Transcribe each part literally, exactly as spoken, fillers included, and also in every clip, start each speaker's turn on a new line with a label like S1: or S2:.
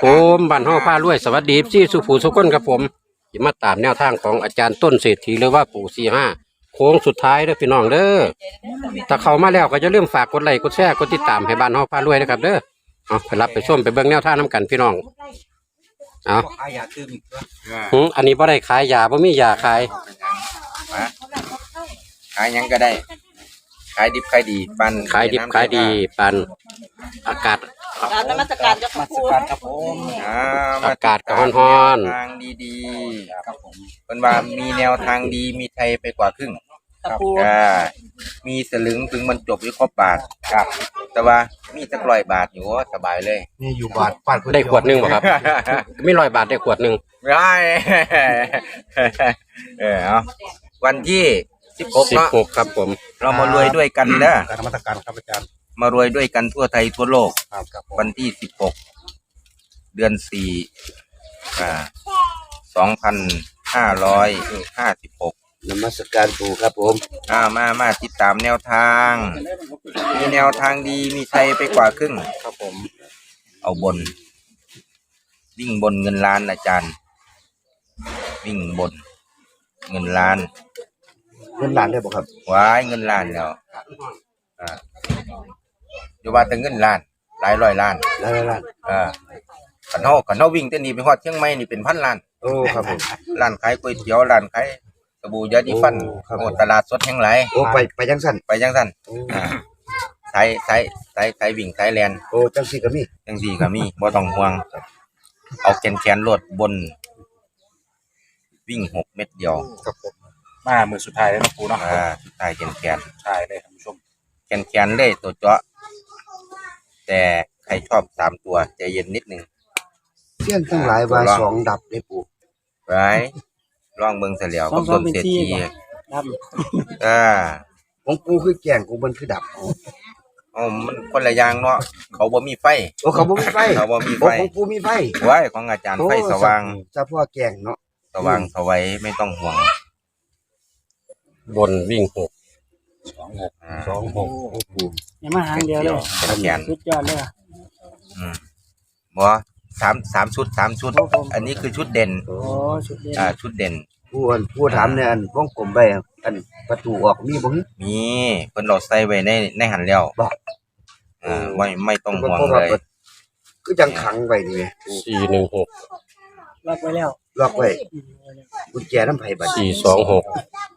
S1: ผมบ้านห้องผ้ารวยสวัสดีพี่สุภูสุขคนครับผมจะมาตามแนวทางของอาจารย์ต้นเศรษฐีหรือว่าปู่สี่ห้าโค้งสุดท้ายเด้อพี่น้องเด้อถ้าเข้ามาแล้วก็จะเริ่าลืมฝากกดไลค์กดแชร์กดติดตามให้บ้านห้องผ้ารวยนะครับเด้อเอาไปรับไปชมไปเบิ่งแนวทางน้ำกันพี่น้องเอา
S2: ขายยาตื้มอีกตัว
S1: หืมอันนี้บ่ได้ขายยาบ่มียาขาย
S2: ขายยังก็ได้ขายดิบขายดีปัน
S1: ขายดิบขายดีปันอากาศ
S3: การนมัสการเจ้าค่ะครู
S2: ครับผม
S1: อากาศก็ร้อน
S2: ๆทางดีๆครับผมเป็นว่ามีแนวทางดีมีไทยไปกว่าครึ่ง
S3: ครับครู
S2: มีสลึงถึงมันจบอยู่ครบบาทครับแต่ว่ามีสักร้อยบาทอยู่ว่าสบายเลย
S4: นี่อยู่บาทปาด
S1: ได้ขวดหนึ่งบ่ครับไม่ร้อยบาทได้ขวดหนึ่ง
S2: ได้เออเอาวันที่สิบหก
S1: เนาะสิบหกครับผม
S2: เรามารวยด้วยกันเด้อ
S4: การนมัสการครับอาจารย์
S2: มารวยด้วยกันทั่วไทยทั่วโลก
S4: ครับ
S2: วันที่สิบหกเดือนสี่อ่าสองพันห้าร้อยห้าสิบหก
S4: นมัสการปู่ครับผม
S2: อ่ามามาติดตามแนวทางมีแนวทางดีมีชัยไปกว่าครึ่ง
S4: ครับผม
S2: เอาบนวิ่งบนเงินล้านอาจารย์วิ่งบนเงินล้าน
S4: เงินล้านได้บ่ครับ
S2: ว้ายเงินล้านแล้วอ่าเดี๋ยวว่าแต่เงินล้านหลายร้อยล้าน
S4: หลายล้าน
S2: อ่าขันเฮาขันเฮาวิ่งแต่นี่ไปฮอดเชียงใหม่นี่เป็นพันล้าน
S4: โอ้ครับผม
S2: ร้านขายก๋วยเตี๋ยวร้านขายสบู่ยาดีฟันโอ้ตลาดสดแห่งไหล
S4: โอ้ไปไปจังซั่น
S2: ไปจังซั่นอ่าสายสายสายสายวิ่งสายแล่น
S4: โอ้จังซี่ก็มี
S2: จังซี่ก็มีบ่ต้องห่วงเอาแขนๆโลดบนวิ่งหกเม็ดเดียว
S4: ครับผมมามื้อสุดท้ายแล้วเนาะปู่เนาะ
S2: อ่าสุดท้ายแขน
S4: ๆใช่เลยท่านผู้ชม
S2: แขนๆเลยตัวเจาะแต่ใครชอบสามตัวใจเย็นนิดนึง
S4: เสี้ยนทั้งหลายว่าสองดับได้ปู่
S2: ไว้ลองเบิ่งซะแล้วกับต้นเศรษฐี
S3: ดับ
S2: อ่า
S4: ของปู่คือแก่งกูมันคือดับ
S2: อ๋อมันคนละอย่างเนาะเขาบ่มีไฟ
S4: โอ้เขาบ่มีไฟ
S2: เขาบ่มีไฟ
S4: ของปู่มีไฟ
S2: ไว้ของอาจารย์ไฟสว่าง
S4: เฉพาะแก่งเนาะ
S2: สว่างสวัยไม่ต้องห่วง
S1: บนวิ่งหก
S4: สองหกสองหกปู่
S3: อย่ามาหางเดียวเลยสุดยอดเลย
S2: อืมบ่สามสามชุดสามชุดอันนี้คือชุดเด่น
S3: โอ้ชุดเด่น
S2: อ่าชุดเด่น
S4: ผู้อันผู้ถามเนี่ยอันวงกลมไปอันประตูออกมีบ่
S2: มีเพิ่นเราใส่ไว้ในในหันแล้ว
S4: บ่
S2: อ่าไม่ไม่ต้องห่วงเลย
S4: คือจังขังไว้นี่แหม
S1: สี่หนึ่งหก
S3: ล็อกไว้แล้ว
S4: ล็อกไว้กุญแจนำไผบัด
S1: สี่สองหก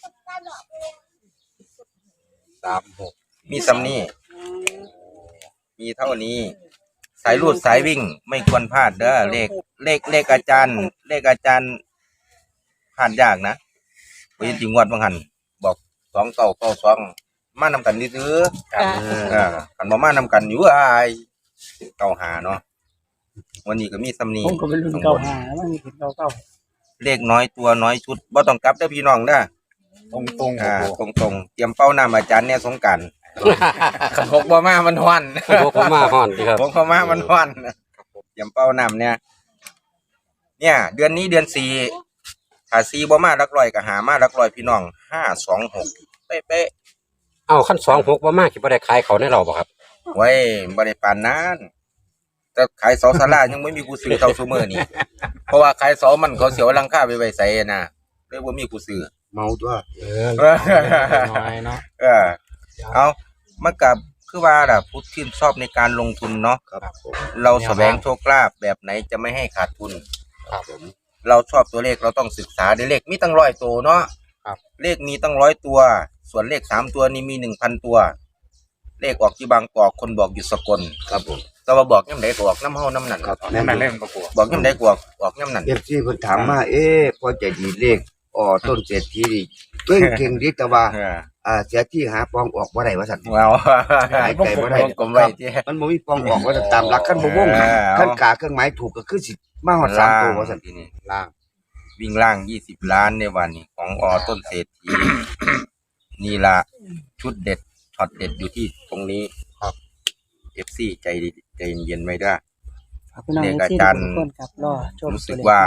S2: สามหกมีซ้ำนี้มีเท่านี้สายรูดสายวิ่งไม่ควรพลาดเด้อเลขเลขเลขอาจารย์เลขอาจารย์พลาดยากนะไปจริงวัดบางหันบอกสองเก้าเก้าสองมานำกันนี่ซื้ออ่ากันบ่มานำกันอยู่อ้ายเก้าหาเนาะวันนี้ก็มีซ้ำนี้
S3: ผมก็เป็นรุ่นเก้าหามันมีเก้าเก้า
S2: เลขน้อยตัวน้อยชุดบ่ต้องกลับเด้อพี่น้องเด้อ
S4: ตรงตรง
S2: อ่าตรงตรงเตรียมเป้าน้ำอาจารย์เนี่ยสงการขันหกบ่มามันฮ้อน
S1: หกบ่มาฮ้อนครับ
S2: หกบ่มามันฮ้อนเตรียมเป้าน้ำเนี่ยเนี่ยเดือนนี้เดือนสี่ถ้าสี่บ่มาหลักร้อยก็หามาหลักร้อยพี่น้องห้าสองหกเป๊ะ
S1: ๆเอ้าคันสองหกบ่มาสิบ่ได้ขายเขาในเราบ่ครับ
S2: ไว้บ่ได้ปานนั้นแต่ขายเสาศาลายังไม่มีผู้ซื้อเท่าซุมื้อนี้เพราะว่าขายเสามันเขาเสียหลังคาไปไว้ไสน่ะเลยบ่มีผู้ซื้อ
S4: เมาตัว
S1: เออน้อยเนาะ
S2: เออเอามากับคือว่าล่ะผู้ที่ชอบในการลงทุนเนาะ
S4: ครับผม
S2: เราแสวงโชคลาภแบบไหนจะไม่ให้ขาดทุน
S1: ครับผม
S2: เราชอบตัวเลขเราต้องศึกษาเลขมีตั้งร้อยตัวเนาะ
S1: ครับ
S2: เลขมีตั้งร้อยตัวส่วนเลขสามตัวนี้มีหนึ่งพันตัวเลขออกที่บางกอกคนบอกอยู่สกล
S4: ครับผม
S2: แต่ว่าบอกย่ำใดก็ออกน้ำเฮาน้ำนั่น
S4: ครับ
S2: น้ำนั่นเล่นประกวดบอกย่ำใดก็ออกออกย่ำนั่น
S4: เอฟซีเพิ่นถามมาเอ๊ะพอใจดีเลขอ๋อต้นเศรษฐีนี่เก่งเก่งดีแต่ว่าอ่าเสียที่หาปองออกบ่ได้ว่าซั่น
S2: ว้าว
S4: หายใจบ่ได้
S2: กลมไว้ที่
S4: มันบ่มีปองออกว่าตามหลักคันบ่วงคันกาเครื่องหมายถูกก็คือสิมาฮอดสามตัวว่าซั่น
S2: ทีนี้ล่างวิ่งล่างยี่สิบล้านในวันนี้ของอต้นเศรษฐีนี่ล่ะชุดเด็ดช็อตเด็ดอยู่ที่ตรงนี้
S1: ครับ
S2: เอฟ ซี ใจใจเย็นๆไว้ด้วย
S3: เลขอาจารย์
S2: รู้สึกว่า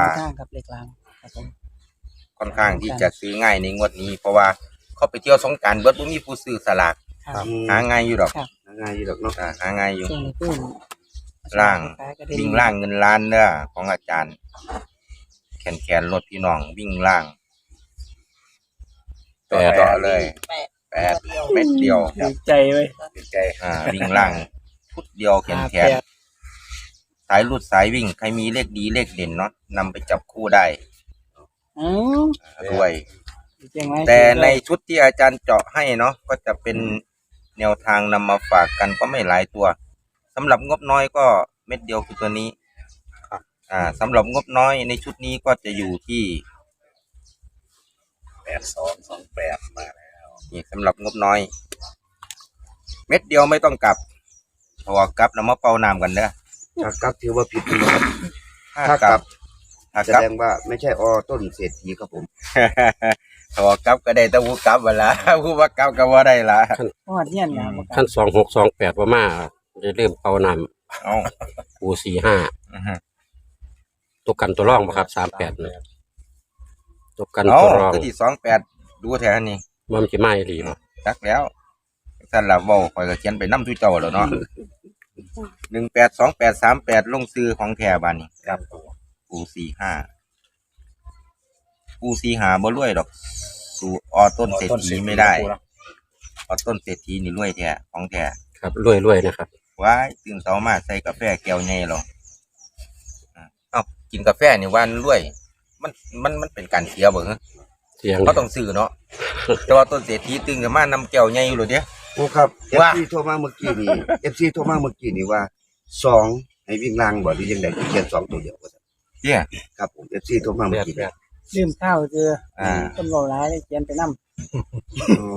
S2: ค่อนข้างที่จะซื้อง่ายในงวดนี้เพราะว่าเขาไปเที่ยวสงกรานต์เบิดบ่มีผู้ซื้อสลากหาง่ายอยู่ดอก
S4: หาง่ายอยู่ดอกเนาะ
S2: หาง่ายอยู่ล่างวิ่งล่างเงินล้านเด้อของอาจารย์แขนแขนรถพี่น้องวิ่งล่างต่อต่อเลยแปดเม็ดเดียว
S3: ดีใจเว้ย
S5: ดีใจ
S2: อ่าวิ่งล่างชุดเดียวแขนแขนสายรุดสายวิ่งใครมีเลขดีเลขเด่นเนาะนำไปจับคู่ได้
S3: อืม
S2: ด้วย
S3: จริงไหม
S2: แต่ในชุดที่อาจารย์เจาะให้เนาะก็จะเป็นแนวทางนำมาฝากกันก็ไม่หลายตัวสำหรับงบน้อยก็เม็ดเดียวคือตัวนี้อ่าสำหรับงบน้อยในชุดนี้ก็จะอยู่ที่
S5: แปดสองสองแปดมาแล้ว
S2: นี่สำหรับงบน้อย เม็ดเดียวไม่ต้องกลับพอกลับแล้วมาเป่าน้ำกันเด้อ
S4: ถ้ากลับถือว่าผิดนะครับ
S2: ถ้า
S4: ถ้าก ก
S2: ลั
S4: ลั
S2: บบ ถ้า
S4: แส
S2: กลับ
S4: ดงว่าไม่ใช่อต้นเศรษฐีครับผม
S2: พอกลับก็ได้แต่ผู้กลับเวลา ผู้ว่ากลับก็ว่าได้ละ
S3: เพราะว่าเนี่ยนะบ่กล้า
S1: ขั้นสองหกสองแปดว่ามาจะเริ่มเป่าน
S2: เอ้า
S1: ำปูสี่ห้า
S2: อือฮึ
S1: ตัวกันตัวร่องบ่ครับสามแปดนะตัวกัน
S2: เอ้า
S1: ตัวรอง
S2: ตัวที่สองแปดดูแถวนี้
S1: มันจะไม่ดีบ่
S2: จักแล้วท่านละเว้าข่อยก็เขียนไปนำทุเจ้าแล้วเนาะ หนึ่งแปดสองแปดสามแปดลงซื้อของแท้บาดนี้
S5: ครับ
S2: ปูสี่ห้าปูสี่ห้าบ่รวยดอก สู่ออต้นเศรษฐีไม่ได้ออต้นเศรษฐีนี่รวยแท้ของแท้
S1: ครับรวยๆนะครับ
S2: ว้ายตื่นเช้ามาใส่กาแฟแก้วใหญ่หรออ่ะเอ้ากินกาแฟนี่วันรวย มันมันมันเป็นการเสียบ่ฮะ
S1: เสียง
S2: เขาต้องซื้อเนาะ แต่ว่าต้นเศรษฐีตื่นขึ้นมานำแก้วใหญ่อยู่เลยเด้
S4: โอ้ครับเอฟ
S2: ว่า
S4: ซีโทรมาเมื่อกี้นี่เอฟซีโทรมาเมื่อกี้นี่ว่าสองให้วิ่งล่างบ่หรือยังไงเขียนสองตัวเดียวว่าซั่น
S2: เจ้ย
S4: ครับผมเอฟซีโทรมาเมื่อกี้นี่
S3: ลืมข้าวเจอ
S2: อ่า
S3: ต้นเบาร้ายเลยเขียนไปนำ
S4: โอ้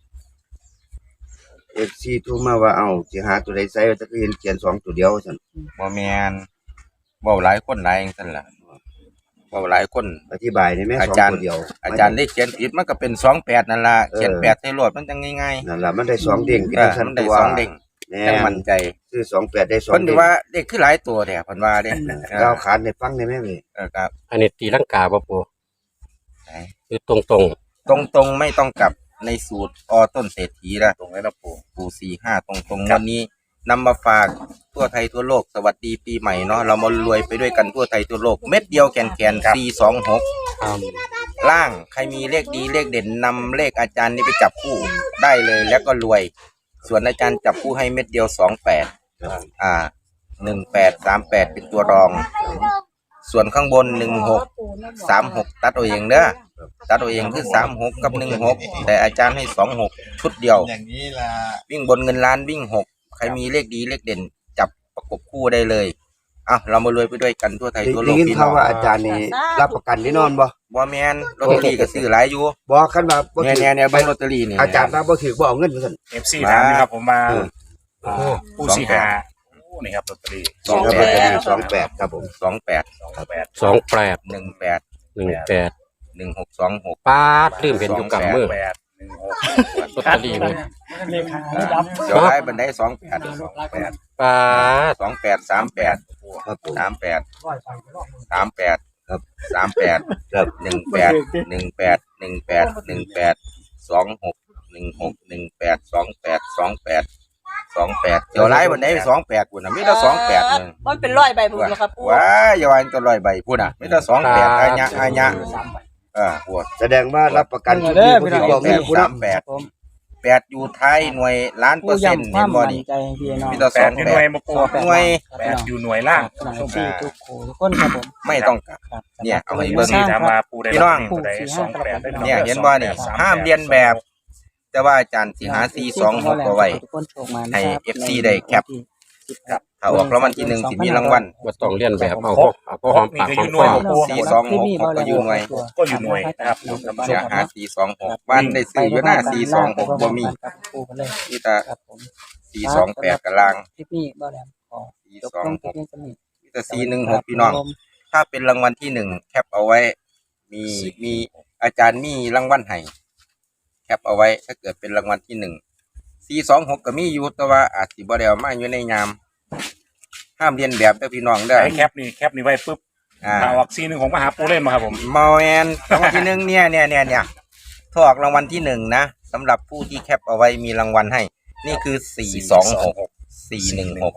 S4: เอฟซีโทรมาว่าเอ้าสิหาตัวใดใส่ว่าจะเห็นเขียนสองตัวเดียวว่าซั่น
S2: บ่แม่นเว้าหลายคนหลายจังซั่นล่ะเว้าหลายคน
S4: อธิบายได้ไหม
S2: อา
S4: สอง
S2: จารย์
S4: ตัวเดียว
S2: อาจารย์ได้เขียนผิดมันก็เป็นสองแปดนั่นล่ะเขียนแปดใส่รถมันจังง่าย
S4: นั่นล่ะมันได้สองเด้ง
S2: ๆ
S4: พี่
S2: เอ
S4: ทั้
S2: อง
S4: ชั้น
S2: มันได้
S4: ตัว
S2: สองเด้ง
S4: แน่
S2: จังมั่นใจ
S4: ซื้อสองแปดได้สอง
S2: เพิ่น
S4: เด้
S2: ถื
S4: ง
S2: อว่าเด็กคือหลายตัวแท้เพิ่นว่าเด้
S4: ก้าวขานในฟังได้ไหมเว้ย
S2: เออครับ
S1: อันนี้ตีลังกาบ่ปู
S2: ไหน
S1: คือตรง
S2: ตรงๆไม่ต้องกลับในสูตรอต้นเศรษฐีนะ
S5: ตรงนี้นะปู่
S2: ปูสี่ห้าตรงๆวันนี้นำมาฝากทั่วไทยทั่วโลกสวัสดีปีใหม่เนาะเรามารวยไปด้วยกันทั่วไทยทั่วโลกเม็ดเดียวแกนแกนสี่สองหกล่างใครมีเลขดีเลขเด่นนำเลขอาจารย์นี้ไปจับคู่ได้เลยแล้วก็รวย ส่วนอาจารย์จับคู่ให้เม็ดเดียวสองแปดอ่าหนึ่งแปดสามแปดเป็นตัวรอง ส่วนข้างบนหนึ่งหกสามหกตัดเอาเองเด้อตัดเอาเองคือสามหกกับหนึ่งหกแต่อาจารย์ให้สองหกชุดเดียว
S5: อย่างนี้ล่ะ
S2: วิ่งบนเงินล้านวิ่งหกใครมีเลขดีเลขเด่น จับประกบคู่ได้เลยอ่ะเรามารวยไปด้วยกันทั่วไทยทั่วโล
S4: ได้
S2: ก
S4: ยิน
S2: พี่น้
S4: ข่า
S2: อ
S4: ว
S2: ง
S4: ว่าอาจารย์นี่รับประกันแน่นอนบ่
S2: บ่แมนลอตเตอรี่ก็ซื้อหลายอยู่
S4: บอกคันว่าบ่
S2: เนี่ย
S4: ถื
S2: เนี่ยเนี่ยใบลอตเตอรี่นี่
S4: อาจารย์ว่าบ่ถือบ่เอาเงินว่าซั่น
S5: เอฟซีถามนะครับผมมา
S4: เออ
S5: อ่าผู้สี่หาโอ้นี่ครับลอตเตอรี่
S2: สอง
S4: ครับ
S2: แป
S4: อาจาร
S2: ด
S4: ย์สองแปดครับผม
S2: สองแปด
S5: สองแปด
S1: ๆสองแปด
S2: หนึ่งแปด
S1: หนึ่งแปด
S2: หนึ่งหกสองหก
S1: ปาดลืมเห็นอยู่กับมือ
S5: แปดหนึ่งหก
S1: ลอตเตอรี่เลย
S3: เลขาไม่ดับ
S2: เดี๋ยวได้บันไดสองแปด
S5: สองแปด
S1: ปาด
S2: สองแปดสามแปด
S4: ครับผม
S2: สามแปดสามแปด
S4: ครับ
S2: สามแปด
S4: ครับ
S2: หนึ่งแปดหนึ่งแปดหนึ่งแปดหนึ่งแปดสองหกหนึ่งหกหนึ่งแปดสองแปดสองแปดสองแปดเดี๋ยวไล่บันไดสองแปดกูน่ะไม่ได้สองแปดเลย
S6: มันเป็นร้อยใบผมนะครับปู
S2: ว้ายอย่าวันตัวลอยใบพูดน่ะไม่ได้สองแปดอายะอายะเออปวด
S4: แสดงว่ารับประกันชุด
S3: เด้
S4: นี้
S3: อ
S4: บ่
S3: พี่
S4: ถื
S3: น้
S4: อ
S3: อง
S4: บ่
S2: แป
S4: เงิน
S2: ด
S4: ผู้
S2: สาม
S4: นำ
S2: แปดแปดอยู่ไทยหน่วยล้านเปอ
S3: ผู้
S2: ร์เซ็นต์
S3: ย้ำค
S2: เห็
S3: วาน ม
S2: บ่
S3: มั่น
S2: นี่
S3: ใจพี่น้อง
S2: มีแต่
S5: แปดอยู่หน่วยมาปู
S2: หน่วย
S5: แปดอยู่หน่วยล่าง
S3: หน่วยสี่ทุกโขทุกคนครับผม
S2: ไม่ต้องกลับ
S3: ครับ
S2: เนี่ยเอาไว้เบิ่
S5: ผู้
S2: ง
S5: สี่ถามมาปูได้
S2: พี่น้อง
S5: ตัวใดสองแปดได้
S2: เนี่ยเห็นบ่นี่ห้ามเรียนแบบ แต่ว่าอาจารย์สิหาสี่สองหกเอาไว้
S3: ทุกคนโชคมา
S2: ให้ เอฟ ซี ได้แคป ครับถ้าออกรางวัลที่หนึ่งสิมีรางวัล
S1: ว่าต้องเลียนแบบเอาพวกเอาพวกหอมปากหอมคอ
S2: สี่สองหกก็อยู่หน่วย
S5: ก็อยู่หน่วยนะครับ
S2: เสียหาสี่สองหกบ้านได้ซื้ออยู่หน้าสี่สองหกบ่มี
S3: ปูกันเลย
S2: ที่ตา
S3: ครับผม
S2: สี่สองแปดกำลัง
S3: คลิปนี้บ่แหลมขอ
S2: สี่
S3: ยก
S2: สอง
S3: ลง
S2: ห
S3: คลิป
S2: ก
S3: นี้สนิท
S2: ที่ตาสี่หนึ่งหกพี่น้อง ถ้าเป็นรางวัลที่หนึ่งแคปเอาไว้ มีมีอาจารย์มีรางวัลให้แคปเอาไว้ ถ้าเกิดเป็นรางวัลที่หนึ่งสี่สองหกก็มีอยู่แต่ว่าอาจสิบ่ได้เอามาอยู่ในยามห้ามเรียนแบบเด้อพี่น้องเด้อ
S5: ไอ้แคปนี่แคปนี่ไว้ปุ๊บ
S2: อ่า
S5: ถ้าออกซีหนึ่งของมหาปูเล่นมาครับผม
S2: มาแมนรางวัลที่หนึ่งเนี่ยเนี่ยเนี่ยเนี่ยถ้าออกรางวัลที่หนึ่งนะสำหรับผู้ที่แคปเอาไว้มีรางวัลให้ นี่คือสี่สองหกสี่หนึ่งหก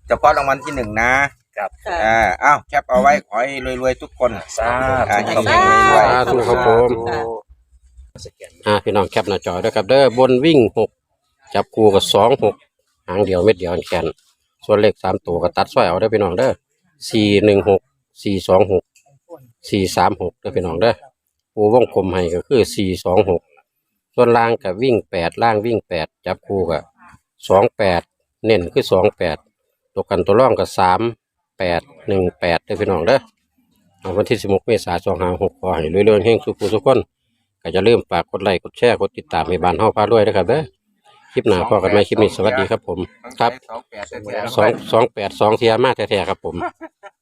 S2: เฉพาะรางวัลที่หนึ่งนะครับ
S6: ค่ะ
S2: อ่าอ้าวแคปเอาไว้ขอให้รวยๆทุกคน
S5: สา
S2: อ่า
S5: ธุ
S2: ให้เฮงๆรวย
S1: สาธุครับผม
S5: สแกน
S1: อ่าพี่น้องแคปหน้าจอด้วยครับเด้อบนวิ่งหกจับคู่กับสองหกหางเดียวเม็ดเดียวแขนส่วนเลขสามตัวก็ตัดซ้อยเอาได้อพี่น้องเด้อสี่หนึ่งหกสี่สองหกสี่สามหกเด้อพี่น้องเด้อปูวงกลมให้ก็คือสี่สองหกส่วนล่างกับวิ่งแปดล่างวิ่งแปดจับคู่กับสองแปดเน้นคือสองแปดตัวกันตัวร่องกับสามแปดหนึ่งแปดเด้อพี่น้องเด้อเอาวันที่สิบหกเมษายนสองห้าหกขอให้เรื่อยๆเฮงสุขทุกคน ก็จะเริ่าลืมฝากกดไลค์กดแชร์กดติดตามให้บ้านเฮาพาด้วยนะครับเด้อคลิปหน้าพอกันไหมคลิปนี้สวัสดีครับผมครับ
S2: สองแปดแท้ๆ
S1: สองสองแปดสองเทียมาแท้ๆครับผม